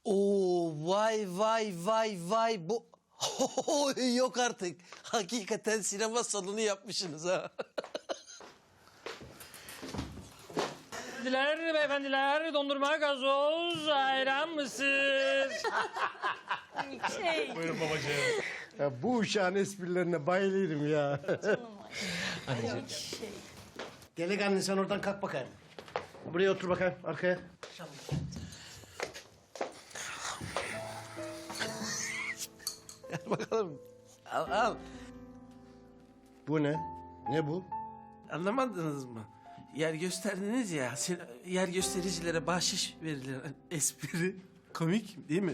Oo, vay vay vay vay bu yok artık. Hakikaten sinema salonu yapmışsınız ha. Beyefendiler, beyefendiler, dondurma, gazoz, ayran, mısır. Buyurun babacığım. Ya bu uşağın esprilerine bayılırım ya. Delikanlı sen oradan kalk bakayım. Buraya otur bakayım arkaya. Gel bakalım. Al al. Bu ne? Ne bu? Anlamadınız mı? Yer gösterdiniz ya. Yer göstericilere bahşiş verilir. Espri. Komik değil mi?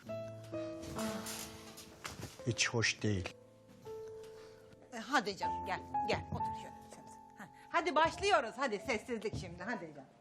Hiç hoş değil. Hadi canım gel otur şöyle. Ha, hadi başlıyoruz hadi sessizlik şimdi hadi canım.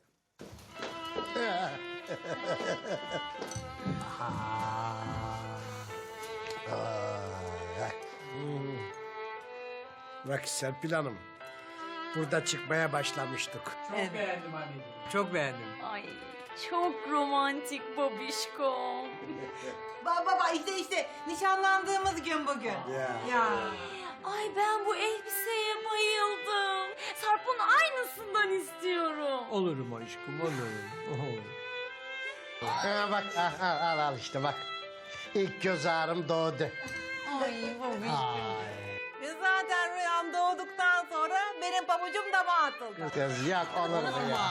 Bak Serpil Hanım. Burada çıkmaya başlamıştık. Çok beğendim anneciğim, çok beğendim. Ay çok romantik babişkom. Baba işte nişanlandığımız gün bugün. Ya. Ay ben bu elbiseye bayıldım. Sarp'ın aynısından istiyorum. Olurum aşkım, olurum. Ha, bak al işte bak. İlk göz ağrım doğdu. Ay babişkom. Biz zaten rüyam doğduktan sonra benim pabucum dama atıldı. Kız yak olur mu ya?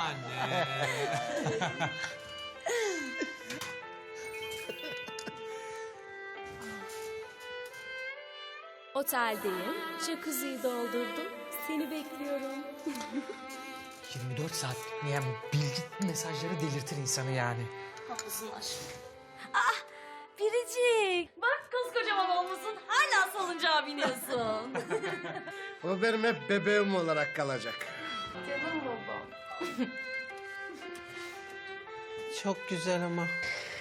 Oteldeyim, jacuzziyi doldurdum. Seni bekliyorum. 24 saat bitmeyen bu bilgi mesajları delirtir insanı yani. Haklısın aşkım. Ah Biricik. Bak koskocaman olmuşsun. Hala salıncağa biniyorsun. O benim hep bebeğim olarak kalacak. Canım babam. Çok güzel ama.